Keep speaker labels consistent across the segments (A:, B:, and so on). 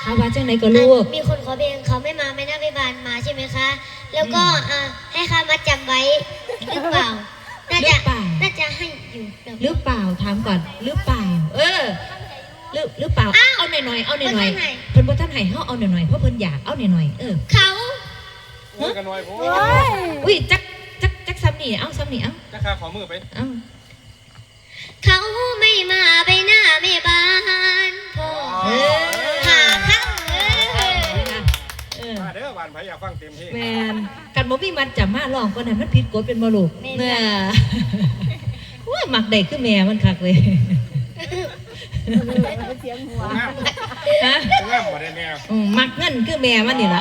A: เอาว่าจังไหนก็ลูก
B: มีคนขอเพลงเขาไม่มาไม่น่าไปบานมาใช่ไหมคะแล้วก็ให้ข้ามาจำไว้หรือเปล่าน่าจะให้อยู่
A: หรือเปล่าถามก่อนหรือเปล่าหรือเปล่าเอาหน่อยเอาหน่อยเพิ่นบ่ทันให้เฮาเอาหน่อยเพราะเพิ่นอยากเอาหน่อย
B: เขา
C: กันหน่อยผม
A: อุ้ยจักซ้ำนี่เอาซ้ำนี่เอา
C: จักขาขอมือไป
B: เขาไม่มาไปหน้าไม่บานพ่อหาเขา
C: มาเด้อบานไผอยากฟังเต็มที่
A: แม่นกันบ่มีมันจะมาร้องก็นั้นมันผิดกฎเป็นบ่ลูกแม่ว่ามักได้คือแม่มันคักเลย
C: เสียงหัวฮะงามบ่ได้แม่
A: มักเงินคือแม่มันนี่ล่ะ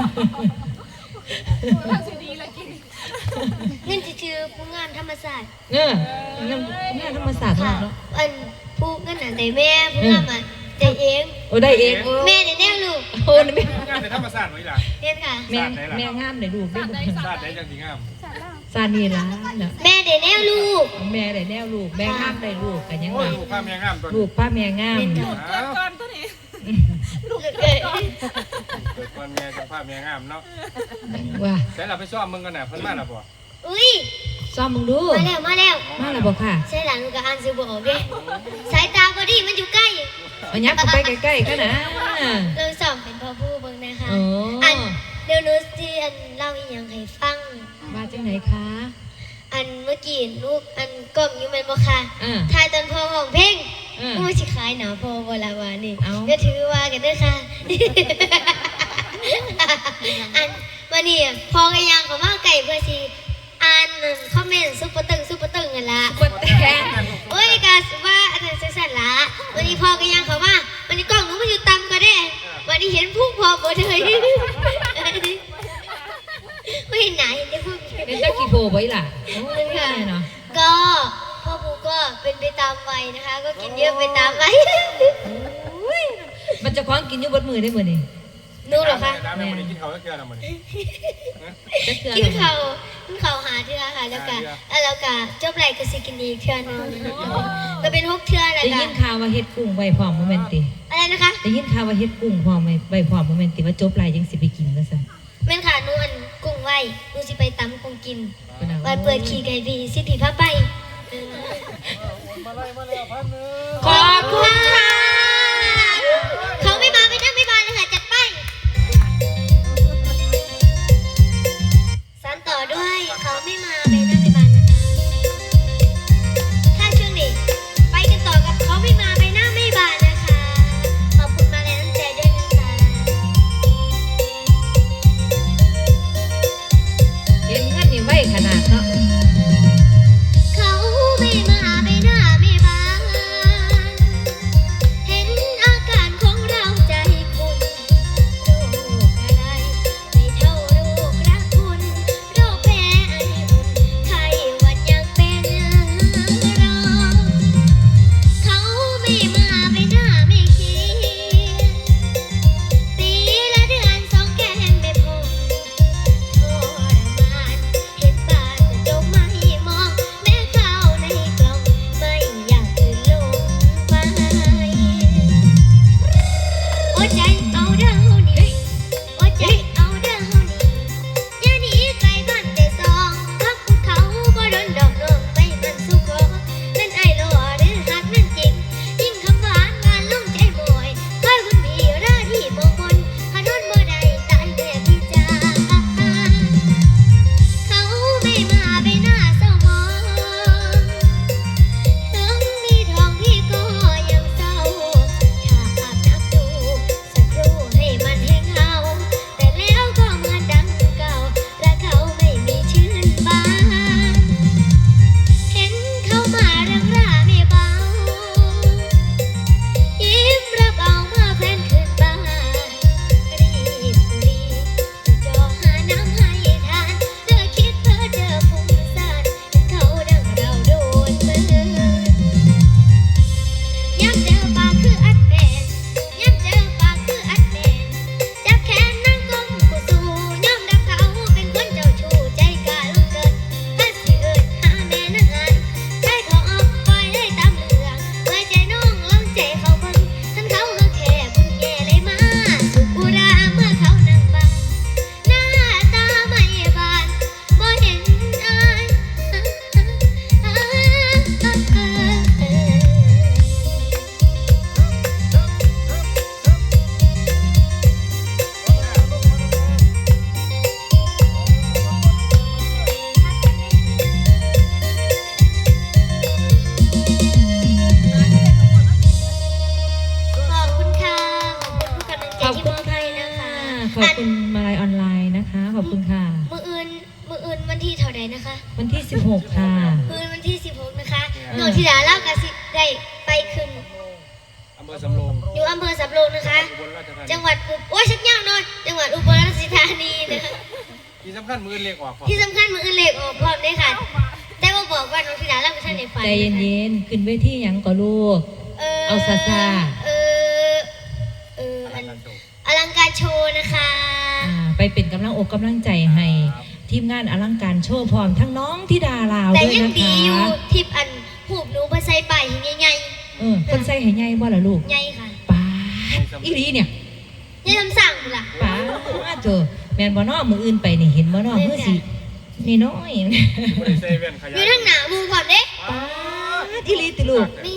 B: เงินชื่อผู้งานธรรมศาสตร์
A: งานธรรมศาสตร์เนาะ
B: ผู้เงินแต่แม่ผู้งานได้เอง
A: ได้เอง
B: แม่ได้แน่ลูก
A: แม่
C: งานในธรรมศาสตร์ไว้ล่ะ
B: เรียนค่ะ
A: แม่งามได้ลูกได้
C: ศาสตร์ได้จังสิงาม
A: ซานี่ล่ะ
B: แม่ได้แน่ลูก
A: แม่ได้แน่ลูกแม่งามได้ลูกกันยังไง
C: ลูกป้าแม่งามตัว
A: ลูกป้าแม่งาม
D: ก่อนตัวนี้
C: ลูกเกิดก่อนแม่จังป้าแม่งามเนาะ
A: ว่า
C: แต่เราไปซ้อมมึงกันน่ะเพิ่นมาแล้วบ่
B: อุ้ย
A: ซ้อมมึงดู
B: มาแล้ว
A: บ่ค่ะ
B: ใช่หลานลูกก็อ่านซื้อบ่ออกเด้สายตาบ่ดีมันอยู่ใกล้
A: เอายักไปใกล้ๆกันนะ
B: เราสอบเป็นพ่อผู้เบิ่งนะคะเดี๋ยวหนูสิเล่าอีหยังให้ฟัง
A: มาจังไหนคะ
B: เมื่อกี้ลูกกล่อมอยู่แม่นบ่ค่ะถ่ายตอนพ่อห้องเพลงกูสิขายหนาพ่อบ่ล่ะว่านี่ก็ถือว่ากันเด้อค่ะวันนี้พอกันยังก็มาไก่เพื่อสิอ่านคอมเมนต์ซุปเปอร์ตึงกันละโอ้ยกะว่าอันนั้นสั่นละวันนี้พอกันยังเขาว่าวันนี้กล้องหนูมันอยู่ต่ำก็ได้วันนี้เห็นพุ่งพอหมดเลยไม่เห็นไหนเห็นได้พุ่ง
A: เป็นเจ้าขี้โบไว้ล่ะเนาะ
B: ก็พ่อปูก็เป็นไปตามวัยนะคะก็กินเยอะไปตามวัย
A: มันจะคว้างกินอยู่บนมือได้เหมือนนี่
B: นู้หรอคะ
C: แม่กินเขาแล้วเกลือนะมัน
B: กินเขาหาเทือค่ะแล้วก็จบไรก็สิกินอีกเทือนึงก็เป็น6เทือแหละค่ะ
A: ได้ยินข่าวว่าเฮ็ดกุ้งไว้พร้อมโมเมนติ
B: อะไรนะคะ
A: ได้ยินข่าวว่าเฮ็ดกุ้งพร้อมไว้พร้อมโมเมนติว่าจบไรยังสิไปกินแล้วซะ
B: แม่นค่ะนูกุ้งไว้นูสิไปตำกุ้งกินไว้เปิดขี่ไก่บีสิผีพาไป
A: ขอบคุณค่ะ
B: เขาไม่มาไม่ได้ไม่บานเลยค่ะจัดไปสานต่อด้วยเขาไม่มาไม่ได้ไม่บานนะคะถ้าช่วงนี้ไปกันต่อกับเขาไม่มาไม่น่าไม่บานนะคะขอบคุณมาแรงน้ำใจด้วยนะคะ
A: เห็นเงินนี่ไว้ขนาดเนาะ
B: เขาไม่มาไม่น่าไม่บานเห็นอาการของเราใจคุณโรคอะไรไม่เท่าโรครักคุณโรคแพ้ไออุ่นไข้หวัดยังเป็นรอเขาไม่มาไม่น่าไม่คิดปีละเดือน2แก้มไม่พอทรมานเห็นบ้านแต่จมไม่มองแม้เข้าในกล่องไม่อยากตื่นลงไปโอ้ใจเอาเด้อเฮานี่โอ้ใจเอาเด้อเฮานี่อย่าหนีไกลบ้านแต่สองพักภูเขาบ่โดนดอกน้องไปมันสุขนั่นไอ้หล่อหรือหักนั่นจริงยิ่งคำหวานงานลงใจบ่อยคอยคุณมีราที่มองมนขนนบ่ได้ตายแต่พี่จ้าเขาไม่มาไปหน้าเศร้ามองถึงมีทองพี่ก็ยังเศร้าถ้าอาบน้ำดูสักครู่
A: ขอบคุณมาลัยออนไลน์นะคะ ขอบคุณค่ะ
B: มืออื่นวันที่เท่าใดนะคะ
A: วันที่ 16 ค่ะ
B: มืออื่นวันที่16นะคะน้องธิดาเล่ากับสิได้ไปขึ้น
C: อำเภอสำโรง
B: อยู่อำเภอสำโรงนะคะ
C: อุบลราชธานี
B: จังหวัดโอ้ยชักยาวหน่อยจังหวัดอุบลราชธานีนะคะ
C: ที่สำคัญมือเล็กออกก่อน
B: ที่สำคัญมืออื่นเลขออกพร้อมด้วยค่ะแต่ว่าบอกว่าน้องธิดาเล่ากับท่านในฝัน
A: ใจเย็นๆ ขึ้นเวทีหยังก็ลูก เอาซาซา
B: อันอลังการโชว์นะคะ
A: ไปเป็นกำลังอกกำลังใจให้ทีมงานอลังการโชว์พร้อมทั้งน้องธิดาลาว
B: แต่
A: ด้วย
B: ยัง
A: นะ
B: ดี
A: คะ
B: อยู่ทิปอันหูบหนูมาใส่ไปใหญ่
A: คนใส่ให้ใหญ่บ่ล่ะลูก
B: ๆใหญ่ค่ะ
A: ป้าอีหลีเนี่ย
B: ใหญ่ทำสั่งล่ะ
A: ป้าเจอแม่นบ่น้อมืออื่นไปนี่เห็นบ่น้อมือสินี่น้อย
C: บริเซเว่นข
B: อย
C: าย
B: ยู่ทั้งหนามูก่อนเด้
A: ป้าอีหลีติลูก
B: นี่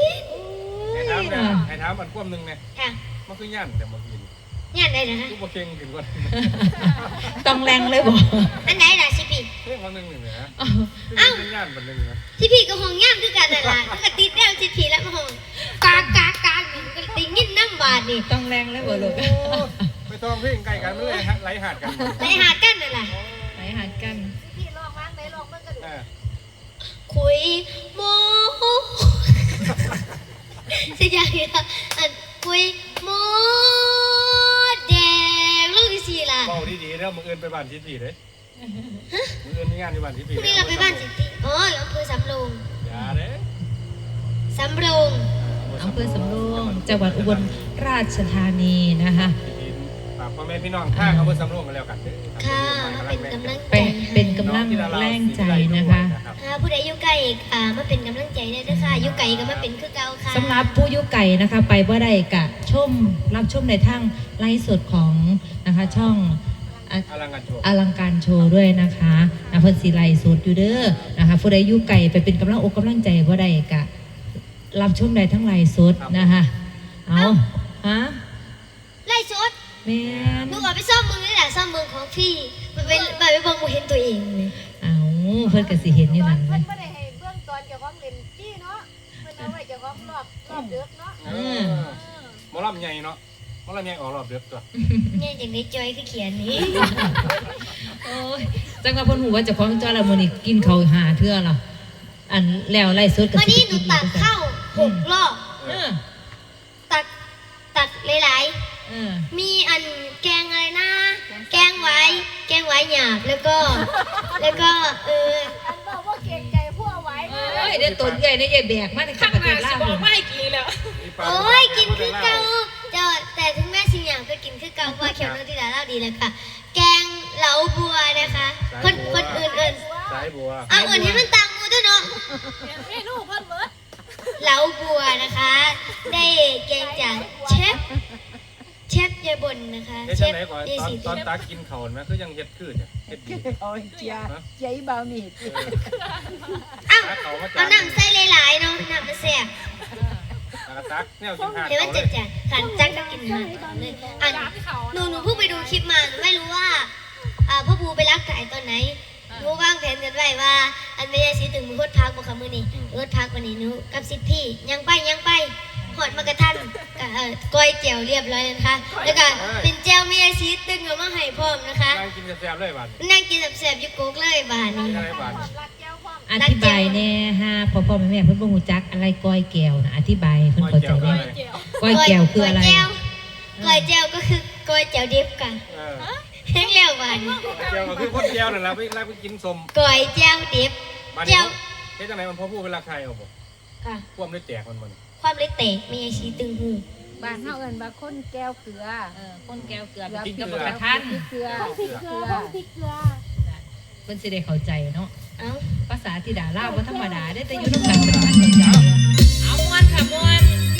C: ให้ถามอันควมหนึ่งเนี่ย
B: ค่ะ
C: มันคือย่านแต่มากิน
B: งานใดนะคะ
C: ทุกประเค็งถึงก่อน
A: ต้องแรงเลยบ่
B: อันไหนล่ะชิปี
C: เฮ้ยวันหนึ่งหนึ่งนะ
B: อ้าว
C: เป็นย่านวันหนึ่งนะ
B: ชิปีกับห้องย่ามคือกันนั่นล่ะมันก็ติดแล้วชิปีแล้วมาห้องกากอยู่ก็ติงยินน้ำบาดนี่
A: ต้องแรงเลยบ่ลูก
C: ไปทองเพ่งไก่กันไม่เลยไหลหาดกัน
B: ไปหากันนั่นล่ะ
A: ไหนหากัน
B: คุยโมสิอย่างนี้ล่ะอันคุยโมแดงลูกที่สี่ล่ะ
C: เบาดีๆแล้วมืออื่นไปบ้านชิดดีเลยมืออื่นมีงานที่บ้านชิดดี
B: พรุ่งนี้เราไปบ้านสิติอ๋ออยู่อำเภอสำโรง
C: อย่าเด้
B: สำโรง
A: อำเภอสำโรงจังหวัดอุบลราชธานีนะคะ
C: ฝากพ่อแม่พี่น้องข้างอำเภอสำโรงกันแล้วกันเด้อ
B: ค่ะมาเป็นกำลัง
A: ไป
B: ใจ
A: เป็นกำลังแรงใจนะคะ
B: ค่ะผู้ใดอยู่ไกลมาเป็นกำลังใจได้ด้วยค่ะอยู่ไกลก็มาเป็นคือเก่าค่ะ
A: สำหรับผู้อยุไก่นะคะ ไปบ่ได้กะรับชมในทางไลฟ์สดของนะคะช่อง
C: อลังการโชว์
A: อลังการโชว์ด้วยนะคะเพิ่นสิไลฟ์สดอยู่เด้อนะคะผู้ใดอยู่ไก่ไปเป็นกำลังอกกำลังใจบ่ได้กะรับชมได้ทั้งไลฟ์สดนะคะเอาฮะ
B: ไล่สด
A: แม่น
B: หนูเอาไปซ่อมมือนี่แหละซ่อมมือของพี่ไปเบิ่งบ่เห็นตัวเองเลย
A: เอาเพิ่นก็สิเห็นอยู่นั่น
D: เพิ่นบ่ได้ให้เบื้องตอนเจ้าของเล่นจี้เนาะเพิ่นเอาไว้เจ้าของรอบเดือกเนาะ
C: หมอลำใหญ่เนาะหมอลำใหญ่ออกรอบเดือดตัว
B: เนี่ยอย่างนี้จอยคือเขียนนี้
A: โอ้ยจังว่าเพิ่นฮู้ว่าเจ้าของจ้อยละมื้อนี้กินข้าวหาเทื่อล่ะอันแล้วไลฟ์สดก็
B: วัน
A: สิ
B: นี้หนูตักข้าว6 รอบ
A: เออ
B: ตักหลาย
A: เออ
B: ๆมีอันแกงอะไรนะ แกงไว้หยาบแล้วก็
D: อันบอกว่าเก่งใจผู้เอาไว้มา
A: โอ้ยเดี๋ยวตนใหญ่ในใหญ่แบกมาในข้างประเทศลาวนี่
B: โอ้ยกินคือเก่าแต่ถึงแม่สิอย่างก็กินคือเก่าเพราะเขียวน้องธิดาเล่าดีแล้วค่ะ แกงเหลาบัวนะคะคนอื่น
C: สายบัว
B: เอาอื่นให้มันตามมูด้วยเนาะ
D: เมนูเพิ่นเบิด
B: เหลาบัวนะคะ ได้แกงจากเชฟยายบนนะคะ
C: เฮ็ด
B: เช
C: จัง
B: ฟ
C: ไหนก่อน
B: ยายสี
C: ตอนตักกินข้าวไหมคือยังเฮ็ดคือเนี่ยเฮ็ดดี
D: โอ้ยเจียใจเบามีด
B: อ้าว
C: ตักเขามา
B: เอาน้ำใส่หลายๆเนาะน้ำมันแซ่บ
C: ตักแนวกินหาด
B: เดี๋ยวมัน
C: เขาเล
B: จะ
C: ย
B: ขันจักก็กินหาตอนเลยอันหนูเพิ่งไปดูคลิปมาหนูไม่รู้ว่าพ่อภูไปรักไก่ตอนไหนหนูวางแผนกันไว้ว่า อันไม่ได้สิถึงมือรถพักบ่ค่ะมื้อนี้รถพักวันนี้หนูกับสิทธิ์พี่ยังไปหอดมากระทันก้อยเจียวเรียบร้อยแล้วนะคะแล้วก็เป็นเจียวเมียซีตึงเอามาให้พร้อมนะคะ
C: นั่งกินแซ่บๆเลยบัด
B: นั่งกินแซ่บๆอยู่โกกเลยบานนี้
C: กินอะไรบัด
D: รักแก้วความ
A: อธิบายแน่ฮะพ่อแม่เพิ่นบ่ฮู้จักอะไรก้อยแก้วนะอธิบายเพิ่นเข้าใจว่า
D: เจียว
A: ก้อยแก้วคืออะไร
B: ก้อยเจียวก็คือก้อยเจียวดิบกันแห้งแล้วบานนี้
C: เจียวก็คือคนเจียวนั่นแหละไปกินสม
B: ก้อยเจียวดิบ
C: บัด
B: เจี
C: นี้
B: ยว
C: เฮ็ดจังไหนมันพ่อพูดเวลาใครเอาบ่
B: ค่ะ
C: ควมได้แจกมัน
B: ความเล็กเตะมีไอชีตึงหู
D: บ้านเฮาเอิ้นว่าคนแก้วเกลือ
A: คนแก้วเกลือ
D: เกลือ
A: กินกับ
D: เกลื
A: ก
D: อ
A: ระทัน
D: เกลือ
C: เกลือ
D: เกลือพริกเกลือ
A: เพิ่นสิได้เข้าใจเนาะ
B: เอ้า
A: ภาษาธิดาลาวบ่ธรรมดาได้แต่อยู่นำกันเป็นพันเข้าใจเอาม่วนค่ะม่วน